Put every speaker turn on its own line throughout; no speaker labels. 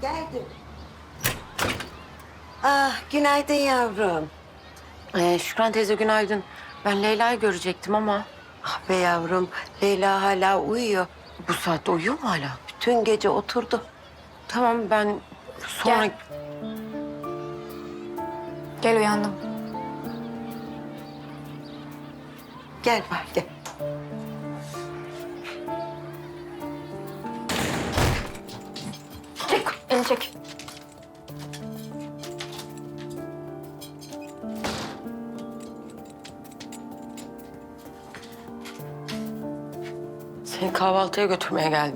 Geldim. Ah, günaydın yavrum.
Şükran teyze günaydın. Ben Leyla'yı görecektim ama
Ah be yavrum, Leyla hala uyuyor.
bu saatte uyuyor mu hala?
Bütün gece oturdu.
Tamam ben sonra...
Gel. Gel uyandım.
Gel bak gel.
Çek, elini çek.
Seni kahvaltıya götürmeye geldim.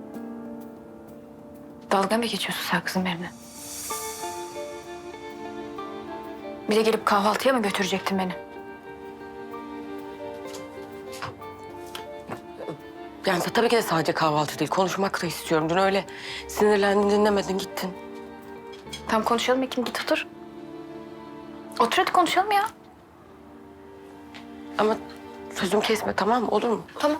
Dalga mı geçiyorsun sen kızım benimle? Bir de gelip kahvaltıya mı götürecektin beni?
Yani tabii ki de sadece kahvaltı değil. Konuşmak da istiyorum. Dün öyle sinirlendin, dinlemedin, gittin.
Tamam konuşalım Ekim, git otur. Otur hadi konuşalım ya.
Ama sözümü kesme, tamam mı? Olur mu?
Tamam.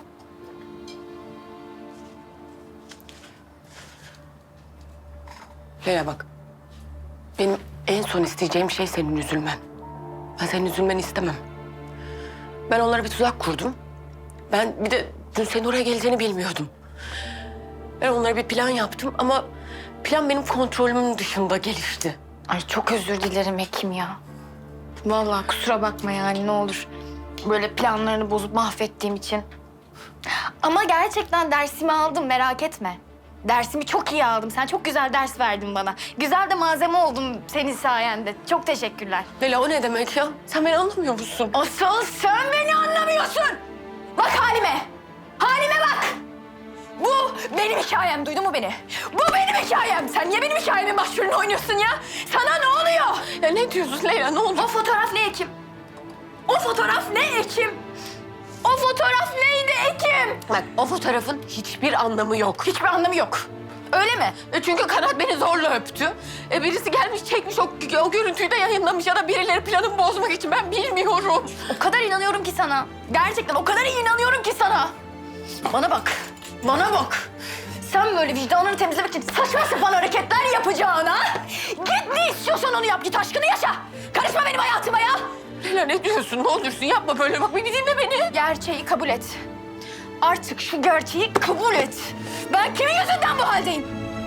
Leyla bak. Benim en son isteyeceğim şey senin üzülmen. Ben senin üzülmeni istemem. Ben onlara bir tuzak kurdum. Ben bir de dün senin oraya geleceğini bilmiyordum. Ben onlara bir plan yaptım ama plan benim kontrolümün dışında gelişti.
Ay çok özür dilerim Ekim ya. Vallahi kusura bakma yani ne olur. Böyle planlarını bozup mahvettiğim için. Ama gerçekten dersimi aldım, merak etme. Dersimi çok iyi aldım. Sen çok güzel ders verdin bana. Güzel de malzeme oldum senin sayende. Çok teşekkürler.
Leyla o ne demek ya? Sen beni anlamıyor musun?
Asıl sen beni anlamıyorsun. Bak halime. Halime bak. Bu benim hikayem. Duydun mu beni? Bu benim hikayem. Sen niye benim hikayemin başrolünü oynuyorsun ya? Sana ne oluyor?
Ya ne diyorsun Leyla? Ne oldu?
O fotoğraf ne Ekim? O fotoğraf ne Ekim? O fotoğraf neydi Ekim?
Bak o fotoğrafın hiçbir anlamı yok.
Hiçbir anlamı yok. Öyle mi?
Çünkü Kanat beni zorla öptü. Birisi gelmiş çekmiş o görüntüyü de yayınlamış ya da birileri planımı bozmak için ben bilmiyorum.
O kadar inanıyorum ki sana. Gerçekten o kadar iyi inanıyorum ki sana. Bana bak. Bana bak. Sen böyle vicdanını temizlemek için saçma sapan hareketler yapacağına... ...git ne istiyorsan onu yap. Git aşkını yaşa. Karışma benim hayatıma ya.
Leyla ne diyorsun? Ne olursun yapma böyle. Bak beni dinle beni.
Gerçeği kabul et. Artık şu gerçeği kabul et. Ben kimin yüzünden bu haldeyim?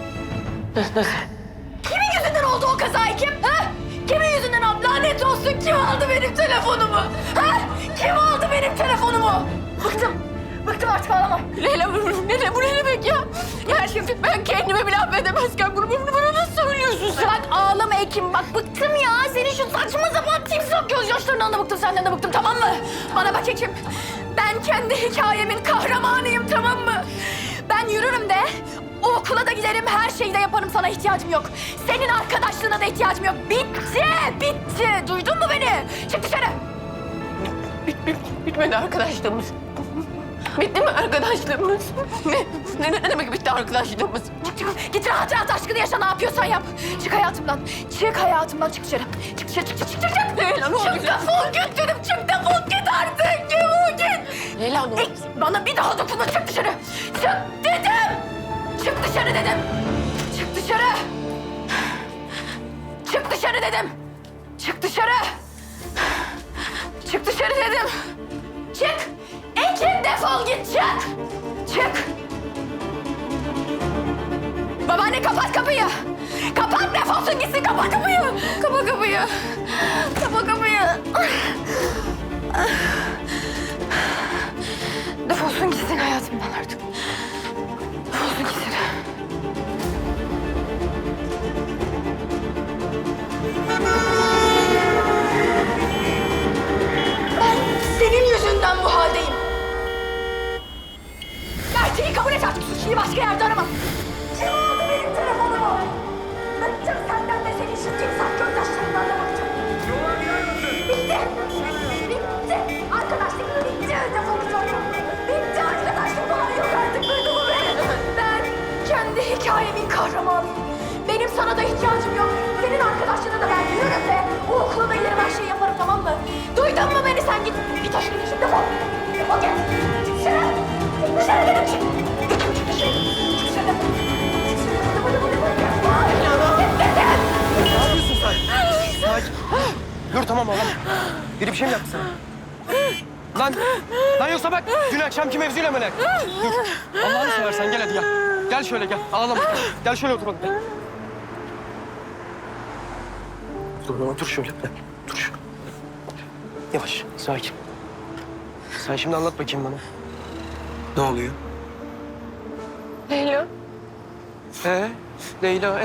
Kimin yüzünden oldu o kaza Ekim? Ha? Kimin yüzünden oldu? Lanet olsun kim aldı benim telefonumu? Ha? Kim aldı benim telefonumu? Bıktım. Bıktım artık ağlamam.
Leyla bu ne demek ya? Yani şimdi ben kendime bile affedemezken bunu bana nasıl söylüyorsun sen?
Bak ağlama Ekim. Bak bıktım ya. Senin şu saçma sapan timsah gözyaşlarından da bıktım. Senden de bıktım tamam mı? Bana bak Ekim. Ben kendi hikayemin kahramanıyım tamam mı? Ben yürürüm de o okula da giderim. Her şeyi de yaparım. Sana ihtiyacım yok. Senin arkadaşlığına da ihtiyacım yok. Bitti. Bitti. Duydun mu beni? Çık dışarı.
Bitmedi arkadaşlığımız. Bitti mi arkadaşlığımız? Ne demek bitti arkadaşlığımız?
Çık. Git rahat rahat aşkını yaşa. Ne yapıyorsan yap. Çık hayatımdan. Çık hayatımdan. Çık dışarı. Çık dışarı. Çık.
Leyla ne oldu?
Çık defol git dedim. Çık defol git artık. Defol git.
Leyla ne oldu?
Bana bir daha dokunma. Çık dışarı. Çık dedim. Çık dışarı dedim. Çık dışarı. Çık dışarı dedim. Çık dışarı. Çık dışarı dedim. Çık. Ekim defol git çık. Çık. Babaanne kapat kapıyı. Kapat defolsun gitsin kapa kapıyı. Kapa kapıyı. Kapa kapıyı. Defolsun gitsin hayatımdan artık. Defolsun gitsin. Ben senin yüzünden bu haldeyim. Gerçeği kabul et artık. Suçluyu başka yerde arama. Kim aldı benim telefonumu? Bıktım senden de senin şu timsah gözyaşlarından da bıktım. Bitti. Bitti. Arkadaşlık bitti. Defol git oradan. Bitti arkadaşlık falan yok artık. Duydun mu beni? Ben
Biri bir şey mi yaptı sana? Lan yoksa bak dün akşamki mevzuyla mı ne? Dur. Allah'ını seversen gel hadi gel. Gel şöyle gel. Ağlama. Gel şöyle oturalım. Gel. Dur otur şöyle. Gel. Dur şöyle. Yavaş, sakin. Sen şimdi anlat bakayım bana. Ne oluyor?
Leyla.
Leyla,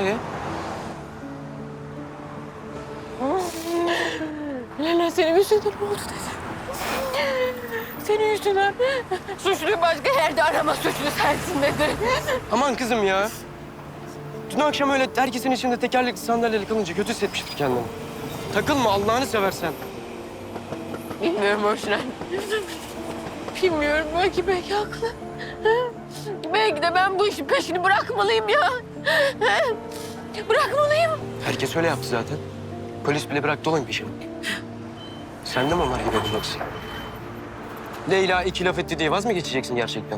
Leyla senin yüzünden oldu dedi. Senin yüzünden. Suçluyu başka yerde arama, suçlu sensin dedi.
Aman kızım ya. Dün akşam öyle herkesin içinde tekerlekli sandalyeyle kalınca kötü hissetmiştir kendini. Takılma Allah'ını seversen.
Bilmiyorum Orçun. Bilmiyorum, belki haklı. Belki de ben bu işin peşini bırakmalıyım ya. Bırakmalıyım.
Herkes öyle yaptı zaten. Polis bile bıraktı olayım peşini. Sen de mi onlar gibi olacaksın? Leyla iki laf etti diye vaz mı geçeceksin gerçekten?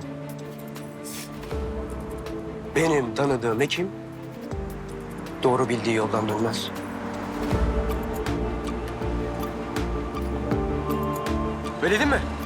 Benim tanıdığım hekim doğru bildiği yoldan dönmez. Öyle değil mi?